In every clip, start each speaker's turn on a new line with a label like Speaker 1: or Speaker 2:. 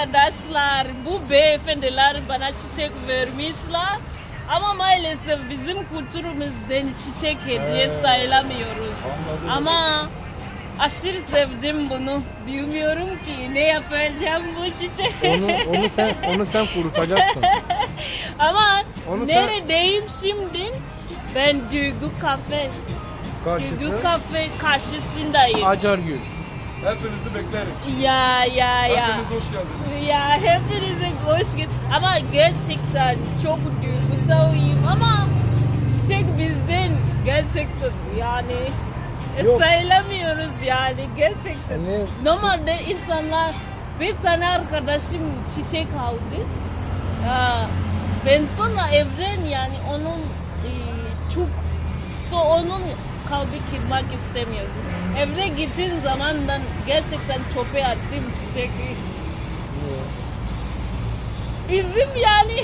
Speaker 1: arkadaşlar, bu beyefendiler bana çiçek vermişler. Ama maalesef bizim kültürümüzden çiçek hediye sayılamıyoruz. Ama aşırı sevdim bunu. Bilmiyorum ki ne yapacağım bu çiçek.
Speaker 2: Onu sen kurutacaksın.
Speaker 1: Ama
Speaker 2: Onu
Speaker 1: neredeyim şimdi? Ben Duygu Kafe. Duygu
Speaker 2: Karşısı
Speaker 1: Kafe karşısındayım.
Speaker 2: Acargül.
Speaker 3: Hepinizi bekleriz.
Speaker 1: Ya.
Speaker 3: Hepiniz hoş geldiniz.
Speaker 1: Ya hepinize hoş geldiniz. Ama gerçekten çok duygusalıyım ama çiçek bizden gerçekten yani
Speaker 2: Yok.
Speaker 1: sayılamıyoruz yani gerçekten.
Speaker 2: Yani
Speaker 1: Normalde insanlar bir tane arkadaşım çiçek aldı. Ben sonra evden yani onun onun kalbi kırmak istemiyorum. Evde gittiğim zaman ben gerçekten çöpe attım çiçeği. Bizim yani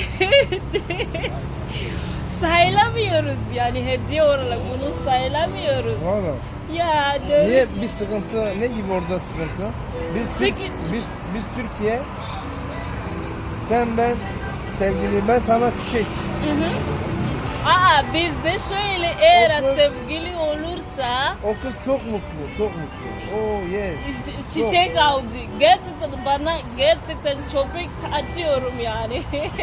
Speaker 1: sayılamıyoruz yani hediye olarak bunu sayılamıyoruz.
Speaker 2: valla.
Speaker 1: Ya böyle.
Speaker 2: Niye bir sıkıntı? Ne gibi orada sıkıntı? Biz Türkiye. Sen ben sevgili ben sana çiçek.
Speaker 1: Hı hı. Bizde şöyle eğer
Speaker 2: O kız-
Speaker 1: sevgili olursa
Speaker 2: O kız çok mutlu, çok mutlu. Oh yes.
Speaker 1: çiçek aldı. Gerçekten bana gerçekten çöpek atıyorum yani.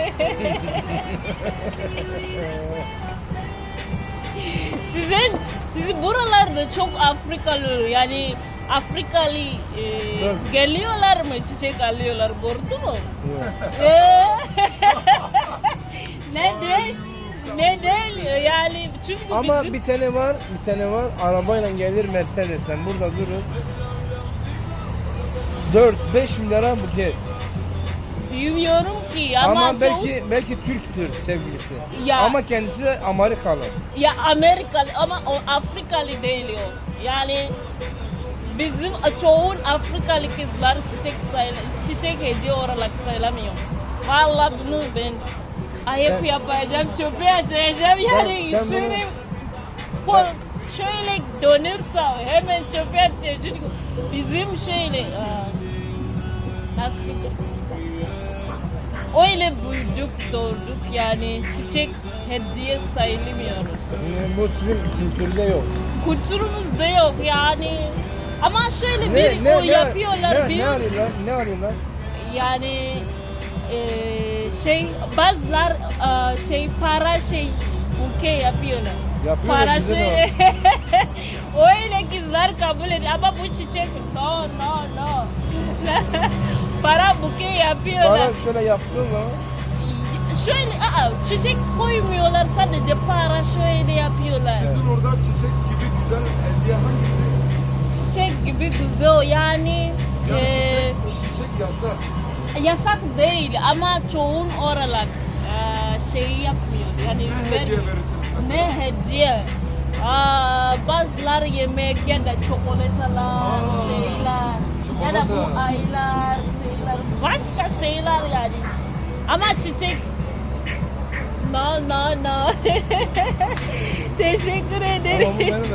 Speaker 1: Sizin buralarda çok Afrikalı yani Afrikalı
Speaker 2: Nasıl?
Speaker 1: geliyorlar mı çiçek alıyorlar gördün mü?
Speaker 2: Yok.
Speaker 1: Neden? Yani çünkü
Speaker 2: Ama
Speaker 1: bizim
Speaker 2: bir tane var. Arabayla gelir Mercedes'ten burada durur. 4-5 milyara buket.
Speaker 1: bilmiyorum ki ama,
Speaker 2: Ama belki Türktür sevgilisi.
Speaker 1: Ya.
Speaker 2: Ama kendisi de Amerikalı.
Speaker 1: ya Amerikalı ama o Afrikalı değil o. Yani bizim çoğun Afrikalı kızlar çiçek hediye olarak sayılamıyor. Vallahi bunu ben ayıp yapacağım, çöpe atacağım yani
Speaker 2: sen
Speaker 1: şöyle
Speaker 2: bunu-
Speaker 1: şöyle dönürse hemen çöpe atacağım çünkü bizim şöyle nasıl öyle büyüdük doğduk yani çiçek hediye sayılmıyoruz.
Speaker 2: Bu sizin kültürde yok.
Speaker 1: Kültürümüzde yok yani. Ama şöyle bir yapıyorlar
Speaker 2: ne arıyorlar? Ne arıyorlar?
Speaker 1: yani bazılar para buke yapıyorlar.
Speaker 2: Yapıyorlar,
Speaker 1: Para
Speaker 2: bize de
Speaker 1: öyle kızlar kabul ediyor ama bu çiçek no. Para buke yapıyorlar.
Speaker 2: Bana şöyle yaptığın zaman
Speaker 1: Şöyle çiçek koymuyorlar sadece para şöyle yapıyorlar.
Speaker 3: Sizin orada çiçek gibi güzel hediye hangisi?
Speaker 1: Çiçek gibi güzel yani
Speaker 3: Yani çiçek yasak.
Speaker 1: yasak değil ama çoğun olarak yapmıyor. Yani
Speaker 3: Ne hediye verirsiniz mesela?
Speaker 1: ne hediye? Bazılar yemek ya da çikolatalar, şeyler ya da bu
Speaker 3: Çikolata.
Speaker 1: aylar, şeyler, başka şeyler yani. Ama çiçek no. Teşekkür ederim.
Speaker 2: ama bu benim